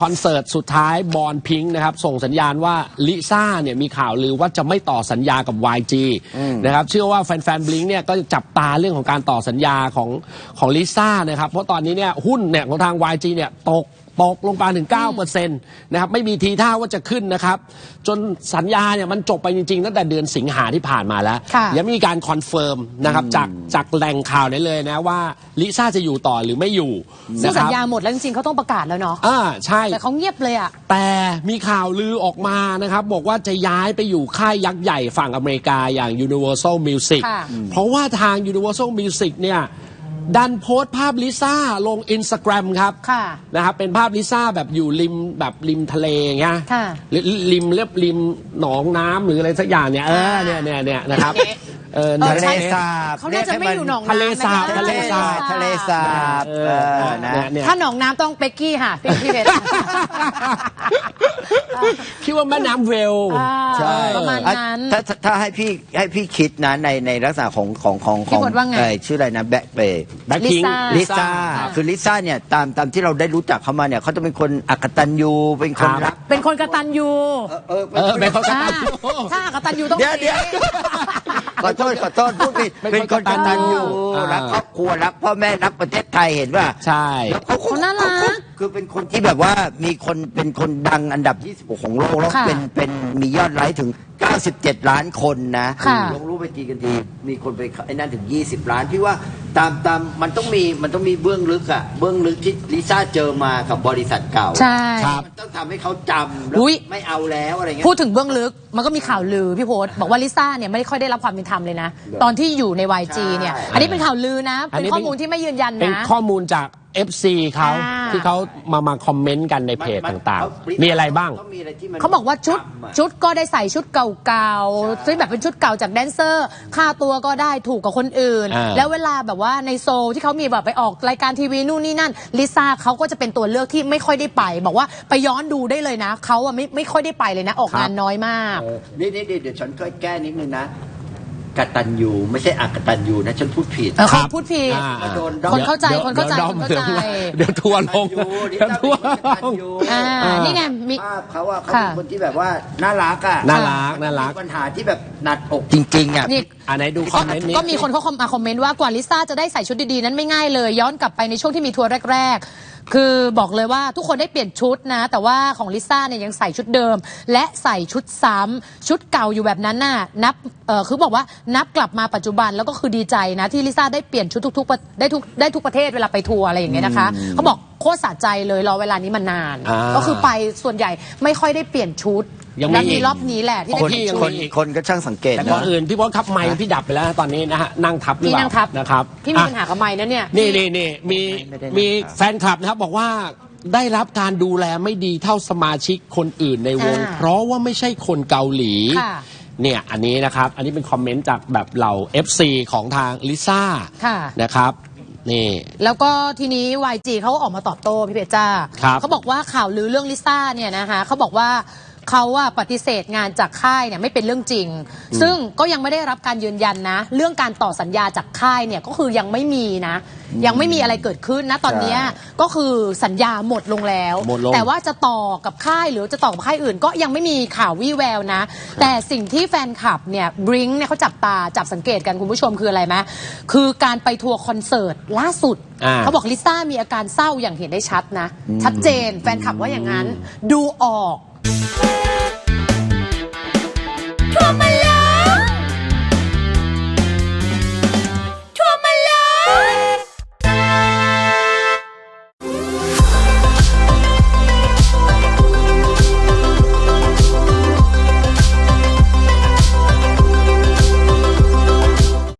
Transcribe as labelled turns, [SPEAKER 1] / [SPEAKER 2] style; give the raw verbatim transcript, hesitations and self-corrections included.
[SPEAKER 1] คอนเสิร์ตสุดท้ายบอลพิงค์นะครับส่งสัญญาณว่าลิซ่าเนี่ยมีข่าวลือว่าจะไม่ต่อสัญญากับ วาย จี นะครับเชื่อว่าแฟนๆบลิงค์เนี่ยก็จะจับตาเรื่องของการต่อสัญญาของของลิซ่านะครับเพราะตอนนี้เนี่ยหุ้นเนี่ยของทาง วาย จี เนี่ยตกตกลงไปถึง เก้าเปอร์เซ็นต์ นะครับไม่มีทีท่าว่าจะขึ้นนะครับจนสัญญาเนี่ยมันจบไปจริงๆตั้งแต่เดือนสิงหาที่ผ่านมาแล้วยังไม่มีการคอนเฟิร์มนะครับจากจากแหล่งข่าวได้เลยนะว่าลิซ่าจะอยู่ต่อหรือไม่อยู่
[SPEAKER 2] ซึ่งสัญญาหมดแล้วจริงๆเขาต้องประกาศแล้วเนาะ
[SPEAKER 1] อ่าใช่
[SPEAKER 2] แต่เขาเงียบเลยอ่ะ
[SPEAKER 1] แต่มีข่าวลือออกมานะครับบอกว่าจะย้ายไปอยู่ค่ายยักษ์ใหญ่ฝั่งอเมริกาอย่าง Universal Music เพราะว่าทาง Universal Music เนี่ยดันโพสต์ภาพลิซ่าลง Instagram ครับนะครับเป็นภาพลิซ่าแบบอยู่ริมแบบริมทะเลเงี้ยริมเรียบริมหนองน้ำหรืออะไรสักอย่างเนี่ยเออเนี่ยเนี่ยเนี่ยนะครับ
[SPEAKER 3] เออทะเลสาบ
[SPEAKER 2] เขาน่าจะไม่อยู่หนองน้ำ
[SPEAKER 1] ทะเลสาบทะเลสาบ
[SPEAKER 3] ทะเลสาบ
[SPEAKER 2] ถ้าหนองน้ำต้องเป๊กกี้ค่ะพี่เพชร
[SPEAKER 1] คิดว่าแม่น้ำเวล
[SPEAKER 2] ใช่ประมาณนั้น
[SPEAKER 3] ถ้าถ้าให้พี่ให้พี่คิดนะในในลักษณะของของของของชื่ออะไรนะแบ็คเบย์
[SPEAKER 1] แบ็คพิงค์
[SPEAKER 3] ลิซ่าคือลิซ่าเนี่ยตามตามที่เราได้รู้จักเขามาเนี่ยเขาจะเป็นคนอักตันยูเป็นคนรัก
[SPEAKER 2] เป็นคนกตัญญู
[SPEAKER 1] เออเป็นคนกตัญญู
[SPEAKER 2] ถ้าอักตันยูต้อง
[SPEAKER 3] เดี๋ยวเดี๋ยวขอโทษขอโทษพูดผิดเป็นคนกตัญญูรักครอบครัวรักพ่อแม่รักประเทศไทยเห็นป่ะ
[SPEAKER 1] ใช่
[SPEAKER 2] เขาน่ารัก
[SPEAKER 3] คือเป็นคนที่แบบว่ามีคนเป็นคนดังอันดับยี่สิบหกของโลกแล้วเป็นเป็นมียอดไลค์ถึงเก้าสิบเจ็ดล้านคนนะลงรูปไปทีกันทีมีคนไปไอ้นั่นถึงยี่สิบล้านพี่ว่าตามตามมันต้องมีมันต้องมีเบื้องลึกอะเบื้องลึกที่ลิซ่าเจอมากับบริษัทเก่า
[SPEAKER 2] ใช่
[SPEAKER 3] มันต้องทำให้เขาจำแล้วไม่เอาแล้วอะไรเงี้
[SPEAKER 2] ยพูดถึงเบื้องลึกมันก็มีข่าวลือพี่โพสบอกว่าลิซ่าเนี่ยไม่ค่อยได้รับความเป็นธรรมเลยนะตอนที่อยู่ใน วาย จี เนี่ยอันนี้เป็นข่าวลือนะเป็นข้อมูลที่ไม่ยืนยันนะ
[SPEAKER 1] เป็นข้อมูลจาก เอฟ ซี เขาที่เขามามาคอมเมนต์กันในเพจต่างๆมีอะไรบ้าง
[SPEAKER 2] เขาบอกว่าชุดชุดก็ได้ใส่ชุดเก่าๆซึ่งแบบเป็นชุดเก่าจากแดนเซอร์ค่าตัวก็ได้ถูกกับคนอื่นแล้วเวลาแบบว่าในโซลที่เขามีแบบไปออกรายการทีวีนู่นนี่นั่นลิซ่าเขาก็จะเป็นตัวเลือกที่ไม่ค่อยได้ไปบอกว่าไปย้อนดูได้เลยนะเขาอะไม่ไม่ค่อยได้ไปเลยนะออกงานน้อยมาก
[SPEAKER 3] นี่นี่เดี๋ยวฉันก็แก้นิดนึงนะกตัญญูไม่ใช่อักตัญญูนะฉันพูดผิด
[SPEAKER 2] เขาพูดผิดคนเข้าใจคนเข้าใจคนเข้าใจ
[SPEAKER 1] เดี๋ยวทัวร์ลงเดี๋ยวทัวร์ลง
[SPEAKER 2] นี่ไงมี
[SPEAKER 3] ภาพเขาว่าเขาเป็นคนที่แบบว่าน่ารักอ่ะ
[SPEAKER 1] น่ารักน่ารัก
[SPEAKER 3] ปัญหาที่แบบหนักอกจริงๆอ่ะ
[SPEAKER 2] นี่
[SPEAKER 1] อันไหนดูคอมเมนต์นี้
[SPEAKER 2] ก็มีคนเขาคอมเมนต์ว่ากว่าลิซ่าจะได้ใส่ชุดดีๆนั้นไม่ง่ายเลยย้อนกลับไปในช่วงที่มีทัวร์แรกๆคือบอกเลยว่าทุกคนได้เปลี่ยนชุดนะแต่ว่าของลิซ่าเนี่ยยังใส่ชุดเดิมและใส่ชุดซ้ำชุดเก่าอยู่แบบนั้นน่ะนับเออคือบอกว่านับกลับมาปัจจุบันแล้วก็คือดีใจนะที่ลิซ่าได้เปลี่ยนชุดทุกๆได้ทุกได้ทุกประเทศเวลาไปทัวร์อะไรอย่างเงี้ยนะคะเขาบอกโคตรสะใจเลยรอเวลานี้มานานก็คือไปส่วนใหญ่ไม่ค่อยได้เปลี่ยนชุดยังมีรอบนี้แหละที่
[SPEAKER 3] คนคนคนก็ช่างสังเกต
[SPEAKER 1] แต่ก่อนอื่นพี่บอสครับไมค์พี่ดับไปแล้วตอนนี้นะฮะนั่งทับหรือเปล่านะครับ
[SPEAKER 2] พี่มีปัญหากับไมค์นะเนี่ย
[SPEAKER 1] นี่นี่นี่มีมีแฟนคลับนะครับบอกว่าได้รับการดูแลไม่ดีเท่าสมาชิกคนอื่นในวงเพราะว่าไม่ใช่คนเกาหลีเนี่ยอันนี้นะครับอันนี้เป็นคอมเมนต์จากแบบเหล่า เอฟ ซี ของทางลิซ่านะครับนี่
[SPEAKER 2] แล้วก็ทีนี้ วาย จี เขาออกมาตอบโต้พี่เพชรจ้าเขาบอกว่าข่าวลือเรื่องลิซ่าเนี่ยนะคะเขาบอกว่าเขาว่าปฏิเสธงานจากค่ายเนี่ยไม่เป็นเรื่องจริงซึ่งก็ยังไม่ได้รับการยืนยันนะเรื่องการต่อสัญญาจากค่ายเนี่ยก็คือยังไม่มีนะยังไม่มีอะไรเกิดขึ้นนะตอนนี้ก็คือสัญญาหมดลงแล้วแต่ว่าจะต่อกับค่ายหรือจะต่อกับค่ายอื่นก็ยังไม่มีข่าววี่แววนะแต่สิ่งที่แฟนคลับเนี่ยบริงเนี่ยเขาจับตาจับสังเกตกันคุณผู้ชมคืออะไรไหมคือการไปทัวร์คอนเสิร์ตล่าสุดเขาบอกลิซ่ามีอาการเศร้าอย่างเห็นได้ชัดนะชัดเจนแฟนคลับว่าอย่างนั้นดูออก